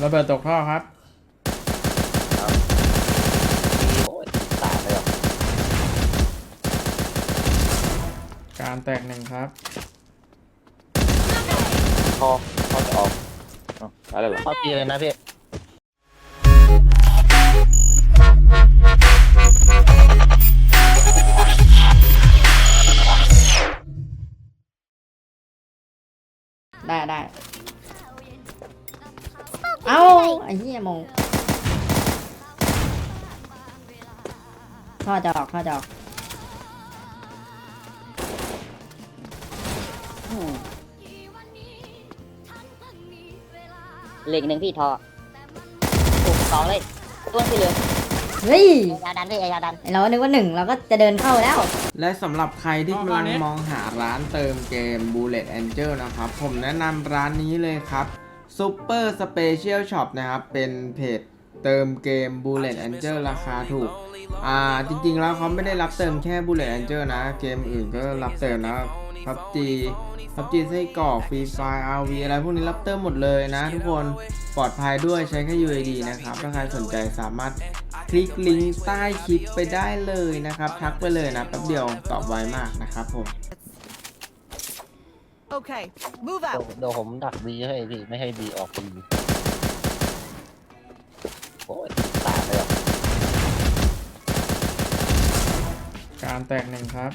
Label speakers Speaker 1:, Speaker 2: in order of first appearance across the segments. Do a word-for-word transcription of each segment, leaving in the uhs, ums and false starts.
Speaker 1: ระเบิดตกท่อครับ
Speaker 2: โอ้ยตายเลยหรอ
Speaker 1: การแตกหนึ่งครับ
Speaker 2: พอพอจะออกอะไรหรอพอปีเลยนะพี่
Speaker 3: ได้ได้เอ้าไอ้เหี้ยมงท่อจะออกท่อจะออก
Speaker 4: เหล็กหนึ่งพี่ทอถูกสองเลยตัวที่เหลือ
Speaker 3: เฮ้ย
Speaker 4: ยาดันพี่ยาดัน
Speaker 3: เรานึกว่าหนึ่งเราก็จะเดินเข้าแล้ว
Speaker 1: และสำหรับใครที่กำลังมองหาร้านเติมเกม Bullet Angel นะครับผมแนะนำร้านนี้เลยครับ Super Special Shop นะครับเป็นเพจเติมเกม Bullet Angel ราคาถูกอ่าจริงๆแล้วเขาไม่ได้รับเติมแค่ Bullet Angel นะเกมอื่นก็รับเติมนะ พับจี พับจี ไส้กรอก Free Fire อาร์ วี อะไรพวกนี้รับเติมหมดเลยนะทุกคนปลอดภัยด้วยใช้แค่ ยู ไอ ดี นะครับถ้าใครสนใจสามารถคลิกลิงก์ใต้คลิปไปได้เลยนะครับทักไปเลยนะแป๊บเดียวตอบไวมากนะครับผม
Speaker 5: โอเค move out
Speaker 2: เดี๋ยวผมดักบีให้พี่ไม่ให้บีออกบีโอ้ยตายเลยหรอ
Speaker 1: การแตกหนึ่งครับ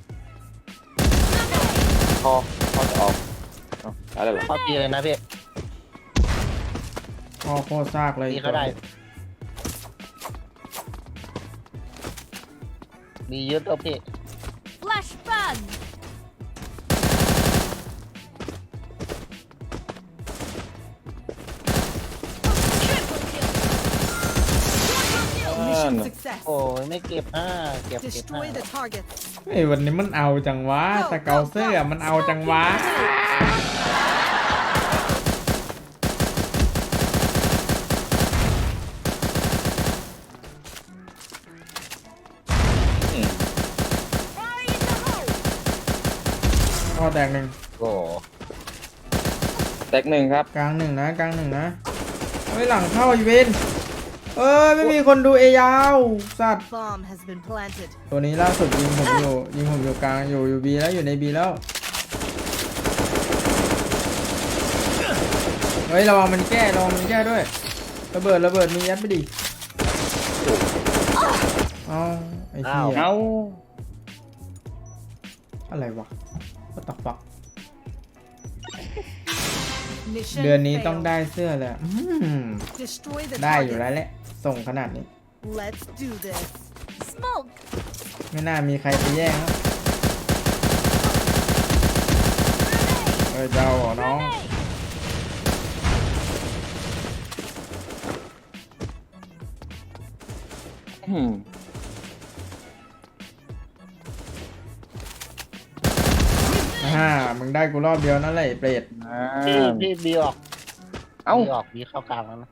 Speaker 2: พอพอจะออกอะไรหรอพอปีเลยนะพี่
Speaker 1: พอโคตรซากเลย
Speaker 2: บีเขาได้มีเยอะตัวพี่
Speaker 5: flash ban
Speaker 2: โอ้ยไม่เก็บห้าเก็บเก็บห้า
Speaker 1: ไอ้วันนี้มันเอาจังวะสเกลเซอร์มันเอาจังวะท่อแตกหนึ่ง
Speaker 2: โอ้แตกหนึ่งครับ
Speaker 1: กลางหนึ่งนะกลางหนึ่งนะไว้หลังเข้าอีเวนเออไม่มีคนดูเอยาวสัตว์ตัวนี้ล่าสุดยิงผมอยู่ยิงผมอยู่กลางอยู่อยู่บีแล้วอยู่ในบีแล้วเฮ้ยระวังมันแก้ระวังมันแก้ด้วยระเบิดระเบิดมียัดไปดิเอาไอ้เหี้ย
Speaker 2: เอา
Speaker 1: อะไรวะwhat the fuck เดือนนี้ต้องได้เสื้อเลยได้อยู่แล้วแหละส่งขนาดนี้ไม่น่ามีใครไปแย่งแล้วเออเจ้าเหรอน้องฮ่ามึงได้กูรอบเดียวนั่นแหละเปรต
Speaker 2: พี่พี่บีออกเอ้าบีออกบีเข้ากลางแล้วนะ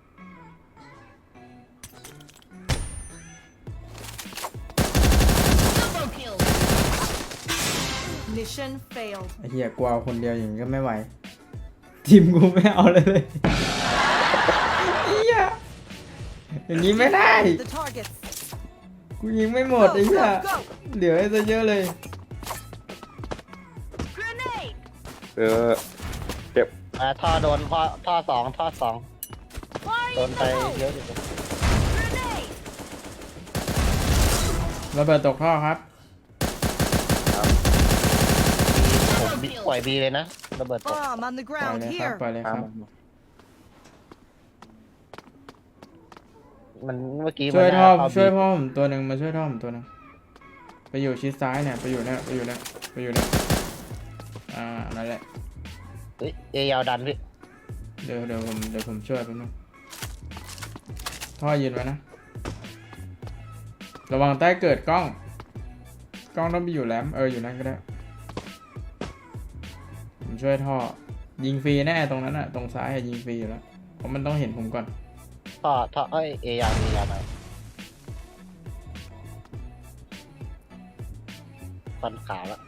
Speaker 1: ไอ้เหี้ยกูเอาคนเดียวอย่างนี้ก็ไม่ไหวทีมกูไม่เอาเลยเลยเหี้ยอย่างนี้ไม่ได้กูยิงไม่หมดไอ้เหี้ยเดี๋ยวให้ซะเยอะเลย
Speaker 2: เออเก็บอ่าท่อโดนท่อท่อสองท่อสองโดนไปเยอะอยู่
Speaker 1: ระเบิดตกท่อครับ
Speaker 2: ผมปล่อยบีเลยนะระเบิดตก
Speaker 1: ปล่อยเลยครับปล่อยเลยครับ
Speaker 2: มันเมื่อกี้
Speaker 1: ช่วยท่อช่วยพ่อผมตัวหนึ่งมาช่วยท่อผมตัวหนึ่งไปอยู่ชิดซ้ายเนี่ยไปอยู่เนี่ยไปอยู่เนี่ยไปอยู่เนี่ยอ่านั่นแหละ
Speaker 2: เฮ้ยเอยาวดันพี่
Speaker 1: เดี๋ยวเดี๋ยวผมเดี๋ยวผมช่วยแป๊บนึงท่อยืนไว้นะระวังใต้เกิดกล้องกล้องต้องไปอยู่แหลมเอออยู่นั่นก็ได้ผมช่วยท่อยิงฟรีแน่ตรงนั้นอะตรงซ้ายยิงฟรีอยู่แล้วเพราะมันต้องเห็นผมก่อน
Speaker 2: ท่อท่อเอ้ยเอยาวเอยาวหน่อยฟันขาแล้ว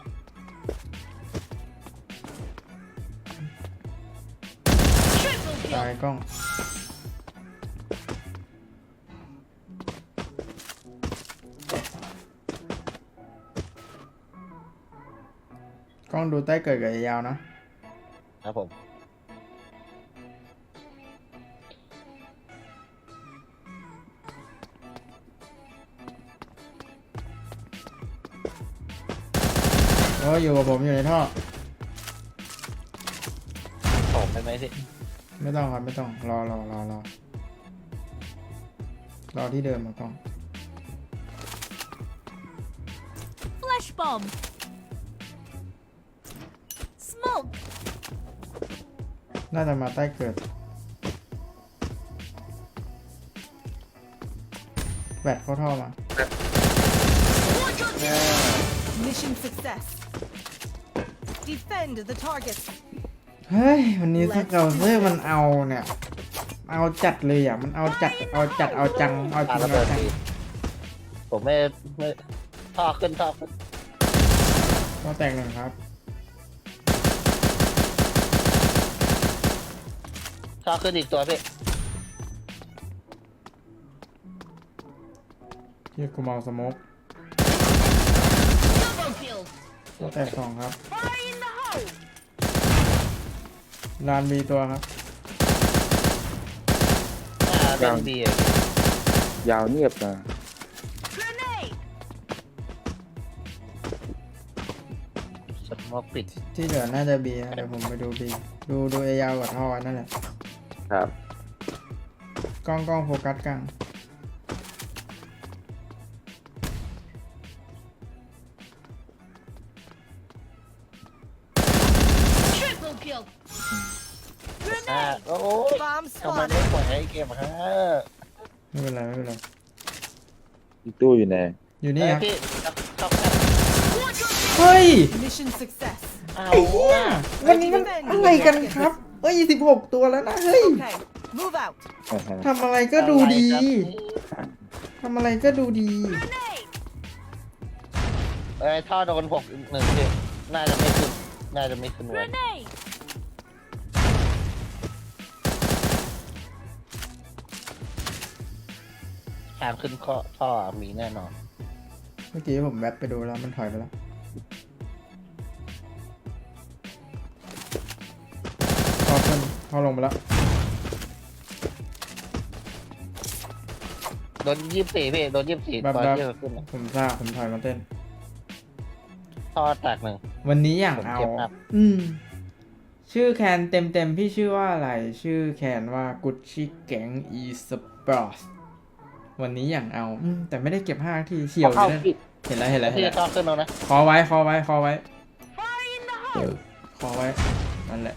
Speaker 1: ตายกล้องล้องดูใต้เกิดกับยาวนะครับ
Speaker 2: ผม
Speaker 1: โอ้อยู่กับผมอยู่ในท่อ
Speaker 2: ผมไปไหมพี่
Speaker 1: ไม่ต้องครับไม่ต้องรอรอรอรอรอที่เดิมมากล้อง
Speaker 5: Flash bomb. Smoke.
Speaker 1: น่าจะมาใต้เกิดแบตเข้าท่อมา
Speaker 5: Mission success. Defend the target.
Speaker 1: เฮ้ยวันนี้สเกลเซอร์มันเอาเนี่ยเอาจัดเลยอ่ะมันเอาจัดเอาจัดเอาจังเอาจ
Speaker 2: ปา
Speaker 1: ริง
Speaker 2: ระเบิ
Speaker 1: เอา
Speaker 2: ด
Speaker 1: จัง
Speaker 2: ดีผมไม่ไม่ท่อขึ้นท่อขึ้น
Speaker 1: ก็แตกหนึ่งครับ
Speaker 2: ท่อขึ้นอีกตัวพี่
Speaker 1: ที่กูมองสโมกก็แตกสองครับลานมีตัวครับ
Speaker 2: อ่าเป็นบี
Speaker 6: ยาวเงียบนะ
Speaker 5: Grenade.
Speaker 2: สมองปิด
Speaker 1: ที่เหลือน่าจะบีนะเดี๋ยวผมไปดูบีดูดูเอยาวกับท่อนั่นแหละ
Speaker 6: ครับ
Speaker 1: กล้องกล้องโฟกัสกลาง
Speaker 2: อ่า
Speaker 5: Grenade.
Speaker 2: โอ้ย
Speaker 5: Bomb
Speaker 2: ทำไม
Speaker 5: spotted.
Speaker 2: ไม่ปล่อยให้เกมฮะ
Speaker 1: ไม่เป็นไรไม่เป็นไร
Speaker 6: อีกตู้อยู่ไหน
Speaker 1: อยู่นี่
Speaker 2: เอ้ย
Speaker 1: ครับ
Speaker 2: พี่ชอบ
Speaker 1: เฮ้ย
Speaker 5: Mission success.
Speaker 2: เอา
Speaker 1: ไอ้เหี้ยวันนี้มันอะไรกันครับเอ้ยสิบหกตัวแล้วนะเฮ้ย
Speaker 5: Okay. Move out.
Speaker 6: อ่าฮะ
Speaker 1: ทำอะไรก็ดูดีทำอะไรก็ดูดี
Speaker 5: Grenade.
Speaker 2: เอ้ยท่อโดนหกอีกหนึ่งพี่น่าจะไม่ขึ้นน่าจะไม่ขึ้นวัน
Speaker 5: Grenade.
Speaker 2: ทางขึ้นข้อท่อมีแน่นอน
Speaker 1: เมื่อกี้ผมแวบไปดูแล้วมันถอยไปแล้วพอขึ้นพอลงไปแล้ว
Speaker 2: โดนยี่สิบสี่พี่โดนยี่สิบสี่
Speaker 1: แบบ
Speaker 2: ตอน
Speaker 1: แบบ
Speaker 2: ที่เราขึ้น
Speaker 1: ผมทราบผมถอยมาเต้น
Speaker 2: ท่อแตกหนึ่ง
Speaker 1: วันนี้อย่าง
Speaker 2: ผม
Speaker 1: เอา
Speaker 2: เก็บครับ
Speaker 1: อืม ชื่อแคนเต็มเต็มๆพี่ชื่อว่าอะไร ชื่อแคนว่ากุชชี่แก๊งอีสปอร์ตวันนี้อย่างเอาอืมแต่ไม่ได้เก็บห้าทีเฉียวอยู่นะเห็นแล้วเห็นแล้วเห็น
Speaker 2: พี่
Speaker 1: แล้ว
Speaker 2: ท่อขึ้นแล้วนะ
Speaker 1: คอไว้คอไว้คอไว้คอไว้นั่นแหละ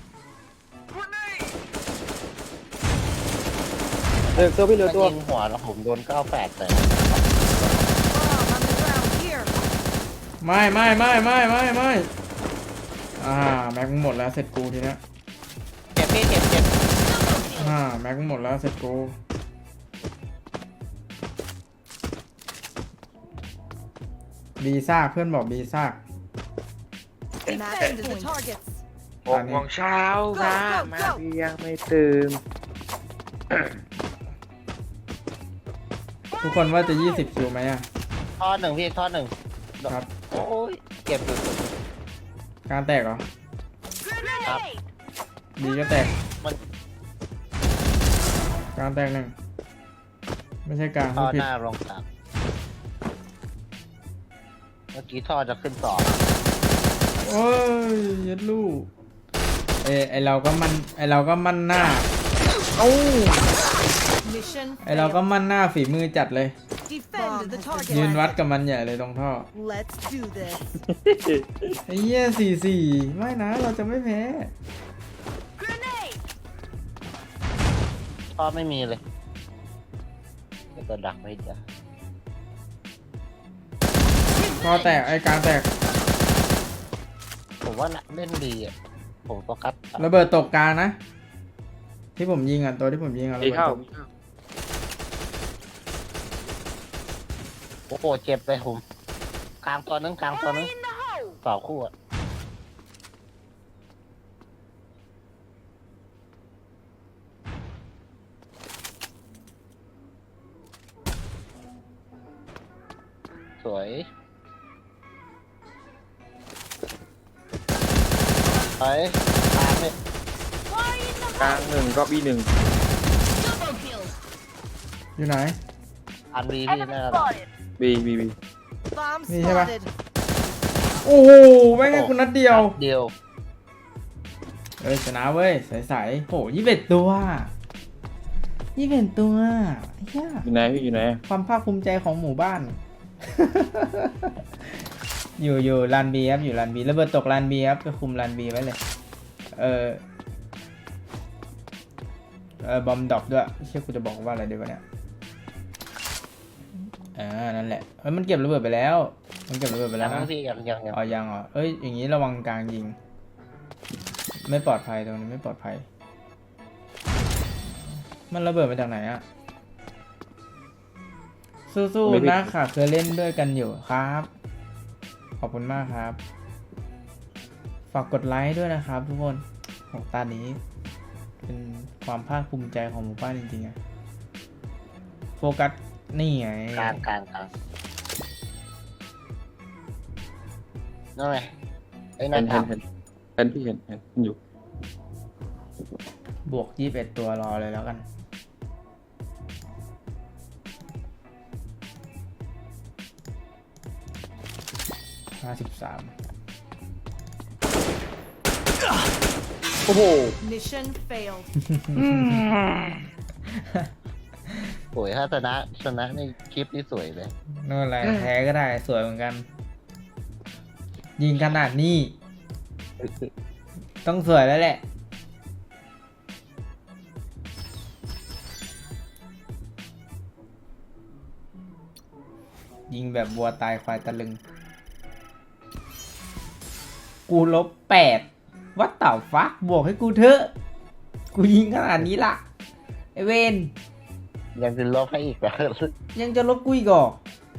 Speaker 6: เออตัวพี่เหลือ
Speaker 2: ถ้า
Speaker 6: ตัว
Speaker 2: ยิงหัวแล้วผมโดนเก้าแปดแต่
Speaker 5: Bomb on the ground here.
Speaker 1: ไม่ไม่ไม่ไม่ไม่ไม่อ่าแม็กมึงหมดแล้วเสร็จกูทีเนี้ย
Speaker 2: เจ็บพี่เจ็บเจ็บ
Speaker 1: อ่าแม็กมึงหมดแล้วเสร็จกูบีซากเพื่อนบอกบีซาก
Speaker 5: Defend the targets.
Speaker 6: หกโมงเช้านะมาพี่ยังไม่ตื่น
Speaker 1: ทุกคนว่าจะยี่สิบคิวไหมอ่ะ
Speaker 2: ท่อหนึ่งพี่ท่อหนึ่ง
Speaker 1: ครับ
Speaker 2: โอ้ยเก็บอยู่
Speaker 1: การแตกเหรอ
Speaker 5: Grenade.
Speaker 1: บีก็แตก
Speaker 2: มัน
Speaker 1: การแตกหนึ่งไม่ใช่กลาง
Speaker 2: ท่อ
Speaker 1: ผิด
Speaker 2: หน้าลงสามเมื่อกี้ท่อจะขึ้นสอง
Speaker 1: โอ้ยยัดลูกเอยไอเราก็มันไอเราก็มั่นหน้า
Speaker 5: Mission
Speaker 1: ไอเราก็
Speaker 5: failed.
Speaker 1: มั่นหน้าฝีมือจัดเลย
Speaker 5: Defend the
Speaker 1: ยืน
Speaker 5: target.
Speaker 1: วัดกับมันใหญ่เลยตรงท่อ
Speaker 5: Let's do this.
Speaker 1: ไอ้เหี้ยสี่สี่ไม่นะเราจะไม่แพ้
Speaker 5: Grenade.
Speaker 2: ท่อไม่มีเลยเดี๋ยวก็ดักไม่ได้
Speaker 1: ท่อแตกไอกลางแตก
Speaker 2: ผมว่าน่ะเล่นดีอ่ะผมโฟกัส
Speaker 1: ระเบิดตกกลางนะ ที่ผมยิงอ่ะตัวที่ผมยิงอ่ะระ
Speaker 6: มี
Speaker 1: เบิด
Speaker 6: เข้า
Speaker 1: ตก
Speaker 6: มีเข้า
Speaker 2: โอ้โหเจ็บเลยผมกลางตัวนึงกลางตัวนึง
Speaker 5: In the hole.
Speaker 2: ต่อคู่อ่ะสวยถอยตามไป
Speaker 6: กลางหนึ่งก็บีหนึ่ง
Speaker 1: อยู่ไหน
Speaker 2: อันบีพี่แน่นอน
Speaker 6: บีบีบี
Speaker 5: Bomb
Speaker 1: Đi theo ba.
Speaker 5: spotted.
Speaker 1: โอ้โหแม่งไงกูนัดเดียว
Speaker 2: เดียว
Speaker 1: เอ้ยชนะเว้ยใสๆโหยี่สิบเอ็ดตัวยี่สิบเอ็ดตัวเฮีย
Speaker 6: อยู่ไหนพี่อยู่ไหน
Speaker 1: ความภาคภูมิใจของหมู่บ้าน อยู่อยู่ลานบีครับอยู่ลานบีระเบิดตกลานบีครับก็คุมลานบีไว้เลย เออเออบอมดรอปด้วยเชื่อกูจะบอกว่าอะไรดีวะเนี่ยอ่านั่นแหละเฮ้ยมันเก็บระเบิดไปแล้วมันเก็บระเบิดไป
Speaker 2: ยั
Speaker 1: แล้ว
Speaker 2: ง
Speaker 1: นะ
Speaker 2: พี่ยังยังยัง
Speaker 1: อ๋อยังเหรอเอ้ยอย่างนี้ระวังกลางยิง ไม่ปลอดภัยตรงนี้ไม่ปลอดภัย มันระเบิดมาจากไหนอะสู้ๆนะค่ะเคยเล่นด้วยกันอยู่ครับ ขอบคุณมากครับ ฝากกดไลค์ด้วยนะครับทุกคนของตานี้ เป็นความภาคภูมิใจของหมู่บ้านจริงๆอะโฟกัสนี่ไง
Speaker 2: กลางกลางกลางนั่นไงไอ้นั่
Speaker 6: เห็
Speaker 2: น
Speaker 6: น
Speaker 2: ถา
Speaker 6: เห็
Speaker 2: ม
Speaker 6: นเห็นเห็นพี่เห็นเห็นอยู่
Speaker 1: บวกยี่สิบเอ็ดตัวรอเลยแล้วกัน ห้าสิบสาม
Speaker 6: โอ้โห
Speaker 5: Mission failed.
Speaker 2: โอ้ยถ้าชนะชนะในคลิปนี่สวยเลย
Speaker 1: นู่นอะไรแพ้ก็ได้สวยเหมือนกัน ยิงขนาดนี้ ต้องสวยแล้วแหละ ยิงแบบวัวตายควายตะลึง กูลบแปดวัดเต่าฟักบวกให้กูเถอะ กูยิงขนาดนี้ล่ะ ไอเวน
Speaker 2: ยังจะลบให้อีกเหรอ
Speaker 1: ยังจะลบกูอีกเหรอ